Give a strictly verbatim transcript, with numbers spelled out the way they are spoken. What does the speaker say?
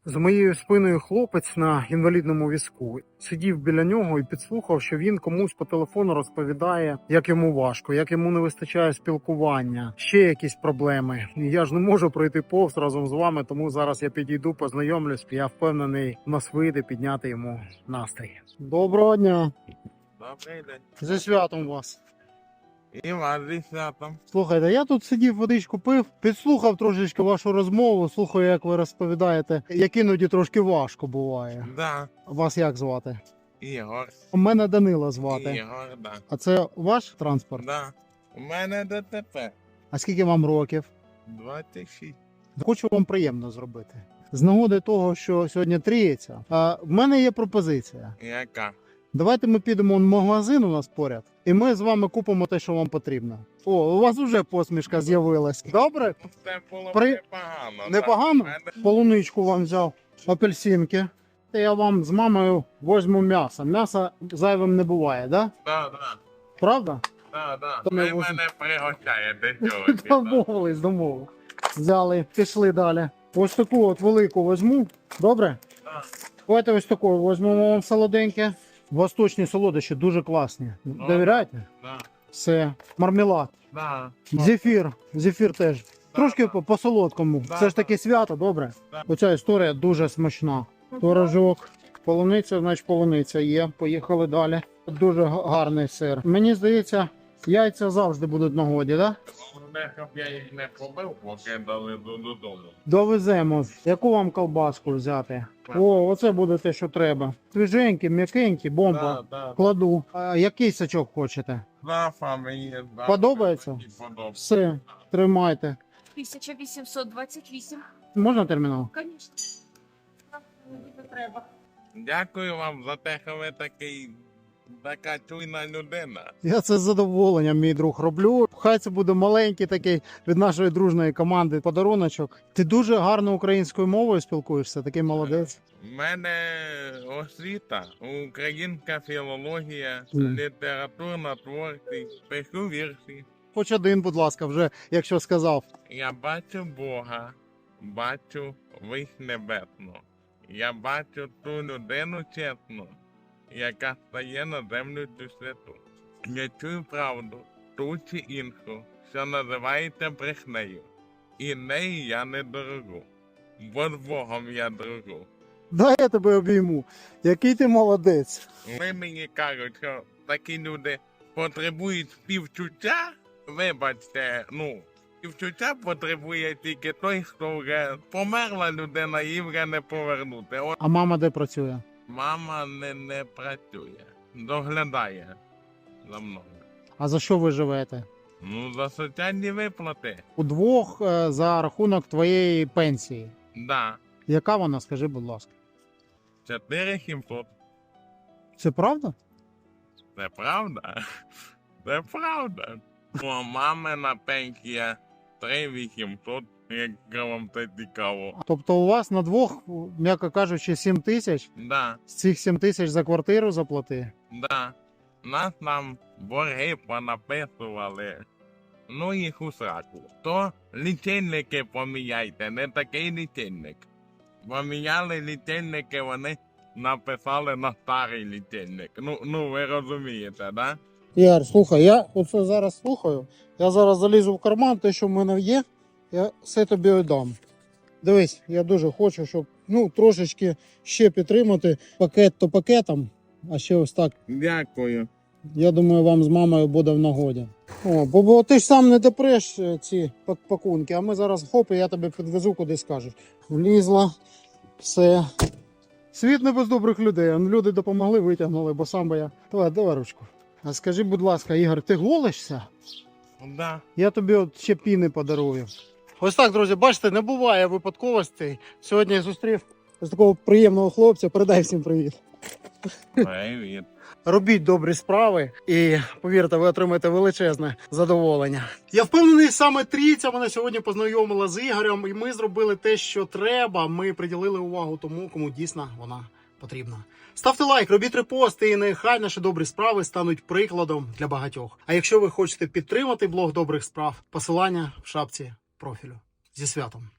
З моєю спиною хлопець на інвалідному візку. Сидів біля нього і підслухав, що він комусь по телефону розповідає, як йому важко, як йому не вистачає спілкування, ще якісь проблеми. І я ж не можу пройти повз разом з вами, тому зараз я підійду, познайомлюсь. Я впевнений, у нас вийде підняти йому настрій. Доброго дня! Добрий день. Зі святом вас! І вас зі святом. Слухайте, я тут сидів, водичку пив, підслухав трошечки вашу розмову, слухаю, як ви розповідаєте, як іноді трошки важко буває. Да. Вас як звати? Ігор. У мене Данила звати. Ігор, да. А це ваш транспорт? Да. У мене ДТП. А скільки вам років? двадцять шість. Хочу вам приємно зробити. З нагоди того, що сьогодні тріється, а в мене є пропозиція. Яка? Давайте ми підемо в магазин у нас поряд, і ми з вами купимо те, що вам потрібно. О, у вас вже посмішка з'явилась. Добре? Це було При- непогано. Непогано? Так. У мене- Полуничку вам взяв, апельсинки. Я вам з мамою возьму м'ясо. М'ясо зайвим не буває, да? Да, да. Правда? Да, да. То ми Ви возьмемо. мене пригощаєте сьогодні. Домовились, домовились. Взяли, пішли далі. Ось таку от велику возьму. Добре? Да. Давайте ось таку візьмемо вам солоденьке. Восточні солодощі дуже класні. Довіряєте? Да. Все. Мармелад. Да. Зефір. Зефір теж. Трошки по, по солодкому. Да, Це ж таки свято, добре? Да. Оця історія дуже смачна. Творожок. Полуниця, значить полуниця є. Поїхали далі. Дуже га- гарний сир. Мені здається, яйця завжди будуть в нагоді, так? Да? Головне, щоб я їх не побив, поки доведу додому. Довеземо. Яку вам колбаску взяти? О, оце буде те, що треба. Свіженькі, м'якенькі, бомба. Да, да. Кладу. А який сачок хочете? Да, мені, да. Подобається? Мені подобається. Все, тримайте. тисяча вісімсот двадцять вісім. Можна термінал? Звісно. Не треба. Дякую вам за те, що ви такий, така чуйна людина. Я це з задоволенням, мій друг, роблю. Хай це буде маленький такий від нашої дружної команди подаруночок. Ти дуже гарно українською мовою спілкуєшся, такий молодець. У мене освіта, українська філологія, Мгм. літературна творчість, пишу вірші. Хоч один, будь ласка, вже, якщо сказав. Я бачу Бога, бачу вись небесну. Я бачу ту людину чесну, яка стає на землю цю святу. Я чую правду, ту чи іншу, що називається брехнею. І неї я не дорогу, бо з Богом я дружу. Дай я тебе обійму. Який ти молодець. Ви мені кажуть, що такі люди потребують співчуття. Вибачте, ну, співчуття потребує тільки той, хто вже померла людина, її вже не повернути. От А мама де працює? мама не, не працює, доглядає за мною. А за що ви живете? Ну, за соціальні виплати. Удвох е, за рахунок твоєї пенсії. Да, Яка вона, скажи, будь ласка? чотири сімсот. Це правда? Це правда? Це правда. У мамина пенсія три вісімсот, якщо вам це цікаво. Тобто у вас на двох, м'яко кажучи, сім тисяч, Да, з цих сім тисяч за квартиру заплати. да. Нас там борги понаписували. Ну їх у сраку. То лічильники поміняйте, не такий лічильник. Поміняли лічильники, вони написали на старий лічильник. Ну, ну ви розумієте, да? Яр, слухай, я оце зараз слухаю. Я зараз залізу в карман, те, що в мене є, я все тобі віддам. Дивись, я дуже хочу, щоб ну, трошечки ще підтримати пакет то пакетом, а ще ось так. Дякую. Я думаю, вам з мамою буде в нагоді. О, бо, бо ти ж сам не допреш е, ці пак- пакунки, а ми зараз хоп, і я тебе підвезу, куди скажеш. Влізла, все. Світ не без добрих людей. Он люди допомогли, витягнули, бо сам би я. Давай, давай ручку. А скажи, будь ласка, Ігор, ти голишся? Да. Я тобі от ще піни подарую. Ось так, друзі, бачите, не буває випадковостей. Сьогодні я зустрів ось такого приємного хлопця. Передай всім привіт. Привіт. Робіть добрі справи і, повірте, ви отримаєте величезне задоволення. Я впевнений, саме трійця мене сьогодні познайомила з Ігорем, і ми зробили те, що треба. Ми приділили увагу тому, кому дійсно вона потрібна. Ставте лайк, робіть репости, і нехай наші добрі справи стануть прикладом для багатьох. А якщо ви хочете підтримати блог добрих справ, посилання в шапці профілю. Зі святом!